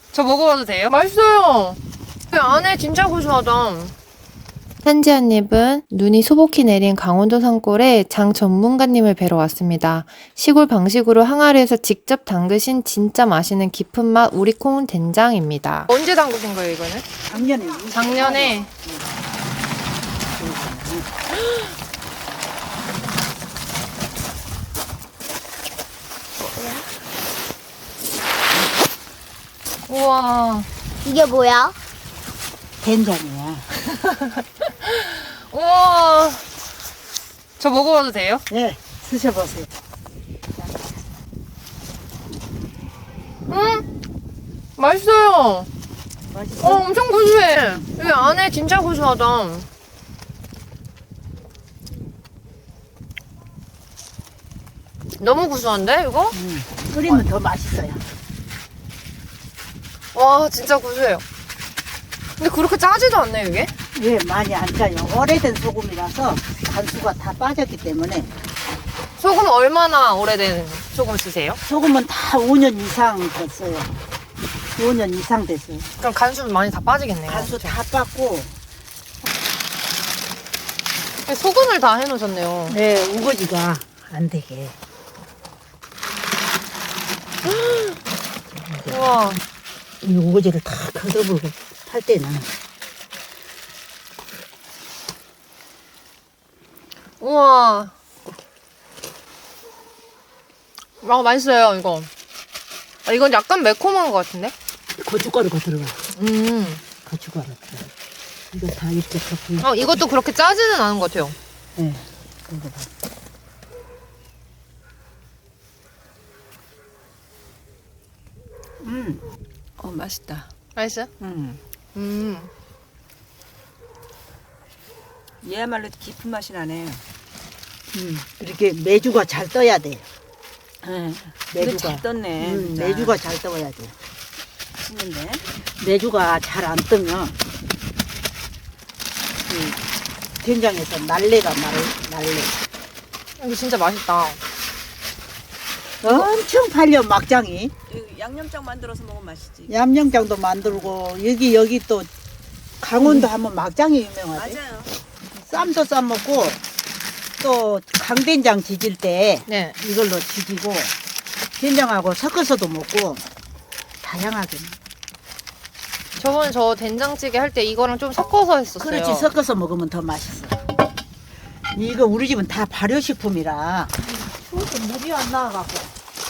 저 먹어봐도 돼요? 맛있어요. 그 안에 진짜 고소하다. 산지 한 입은 눈이 소복히 내린 강원도 산골에 장 전문가님을 뵈러 왔습니다. 시골 방식으로 항아리에서 직접 담그신 진짜 맛있는 깊은 맛 우리콩 된장입니다. 언제 담그신 거예요, 이거는? 작년에. 작년에. 우와. 이게 뭐야? 된장이야. 우와. 저 먹어봐도 돼요? 네, 드셔보세요. 맛있어요. 맛있어? 엄청 고소해. 이 안에 진짜 고소하다. 너무 고소한데, 이거? 끓이면 더 맛있어요. 와, 진짜 고소해요. 근데 그렇게 짜지도 않네, 이게? 예, 많이 안 짜요. 오래된 소금이라서 간수가 다 빠졌기 때문에 소금 얼마나 오래된 소금 쓰세요? 소금은 다 5년 이상 됐어요. 5년 이상 됐어요. 그럼 간수 많이 다 빠지겠네요. 간수 다 빠고, 소금을 다 해놓으셨네요. 네, 우거지가 안 되게. 우와. 이 우거지를 다 걷어버리고 할 때는 우와. 맛있어요, 이거. 이건 약간 매콤한 것 같은데? 고춧가루가 들어가. 고춧가루. 이거 다 이렇게 덮고. 이것도 그렇게 짜지는 않은 것 같아요. 네. 이거 봐. 맛있다. 맛있어요? 얘야말로 깊은 맛이 나네. 이렇게 메주가 잘 떠야 돼. 네, 근데 메주가. 잘 떴네. 진짜. 메주가 잘 떠야 돼. 맛있는데. 메주가 잘 안 뜨면 이 된장에서 날래가 날래. 이거 진짜 맛있다. 엄청 팔려 막장이. 이거 양념장 만들어서 먹으면 맛있지. 얌양장도 만들고 여기 또 강원도 하면 막장이 유명하대. 맞아요. 쌈도 싸 먹고 또 강된장 지질 때 네. 이걸로 지지고 된장하고 섞어서도 먹고 다양하게. 저번에 저 된장찌개 할 때 이거랑 좀 섞어서 했었어요. 그렇지, 섞어서 먹으면 더 맛있어. 이거 우리 집은 다 발효식품이라 추워서 물이 안 나와갖고.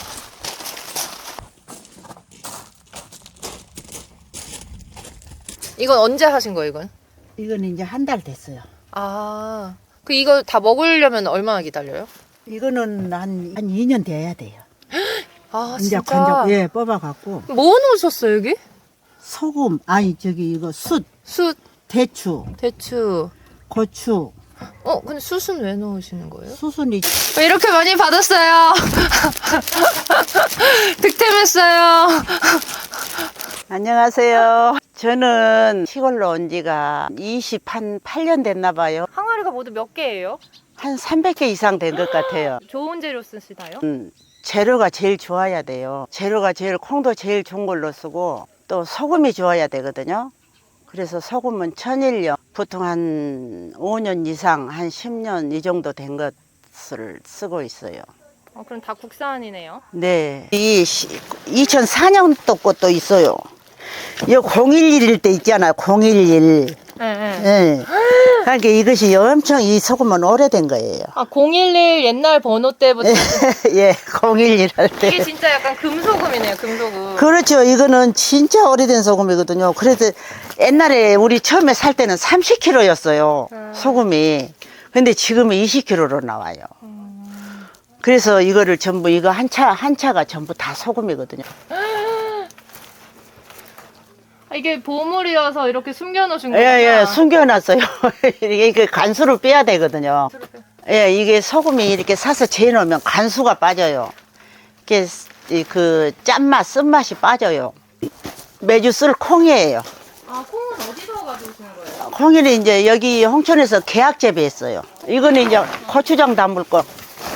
이건 언제 하신 거예요, 이건? 이거는 이제 한 달 됐어요. 아, 이거 다 먹으려면 얼마나 기다려요? 이거는 한 2년 돼야 돼요. 아, 이제 진짜? 건져, 예, 뽑아갖고. 뭐 넣으셨어요, 여기? 소금, 이거 숯, 숯, 대추, 대추. 고추, 근데 숯은 왜 넣으시는 거예요? 수순이. 이렇게 많이 받았어요. 득템했어요. 안녕하세요. 저는 시골로 온 지가 28년 됐나 봐요. 항아리가 모두 몇 개예요? 한 300개 이상 된 것 같아요. 좋은 재료 쓰시나요? 재료가 제일 좋아야 돼요. 재료가 콩도 제일 좋은 걸로 쓰고 또 소금이 좋아야 되거든요. 그래서 소금은 천일염, 보통 한 5년 이상, 한 10년 이 정도 된 것을 쓰고 있어요. 그럼 다 국산이네요. 네. 이 2004년도 것도 있어요. 이 011일 때 있잖아요. 011. 네, 네. 예. 그러니까 이것이 엄청 이 소금은 오래된 거예요. 011 옛날 번호 때부터. 예, 011 할 때. 이게 진짜 약간 금소금이네요, 금소금. 그렇죠. 이거는 진짜 오래된 소금이거든요. 그래서 옛날에 우리 처음에 살 때는 30kg였어요. 소금이. 근데 지금은 20kg로 나와요. 그래서 이거를 전부, 이거 한 차가 전부 다 소금이거든요. 이게 보물이어서 이렇게 숨겨놓으신 예, 거구나. 예, 숨겨놨어요. 이게 간수를 빼야 되거든요. 예, 이게 소금이 이렇게 사서 재놓으면 간수가 빠져요. 이게 그 짠맛, 쓴맛이 빠져요. 매주 쓸 콩이에요. 콩은 어디서 가져오시는 거예요? 콩이는 이제 여기 홍천에서 계약 재배했어요. 이거는 이제 고추장 담을 거.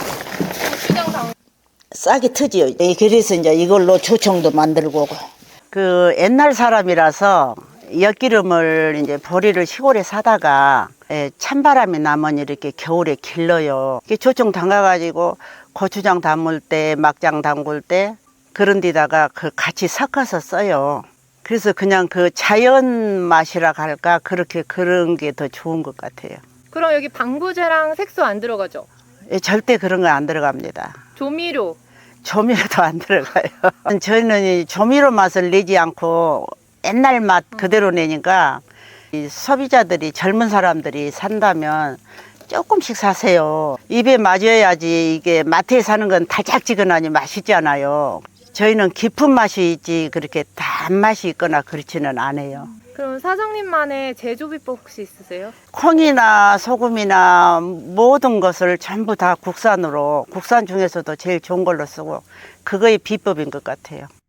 고추장 당. 싹이 트지요. 그래서 이제 이걸로 조청도 만들고. 그 옛날 사람이라서 엿기름을 이제 보리를 시골에 사다가 찬바람이 나면 이렇게 겨울에 길러요. 이게 조청 담가가지고 고추장 담을 때, 막장 담글 때 그런 데다가 그 같이 섞어서 써요. 그래서 그냥 그 자연 맛이라 할까 그렇게 그런 게 더 좋은 것 같아요. 그럼 여기 방부제랑 색소 안 들어가죠? 절대 그런 거 안 들어갑니다. 조미료. 조미료도 안 들어가요. 저희는 이 조미료 맛을 내지 않고 옛날 맛 그대로 내니까 이 소비자들이 젊은 사람들이 산다면 조금씩 사세요. 입에 맞아야지. 이게 마트에 사는 건 달짝지근하니 맛있잖아요. 저희는 깊은 맛이 있지 그렇게 단맛이 있거나 그렇지는 않아요. 그럼 사장님만의 제조 비법 혹시 있으세요? 콩이나 소금이나 모든 것을 전부 다 국산으로, 국산 중에서도 제일 좋은 걸로 쓰고 그거의 비법인 것 같아요.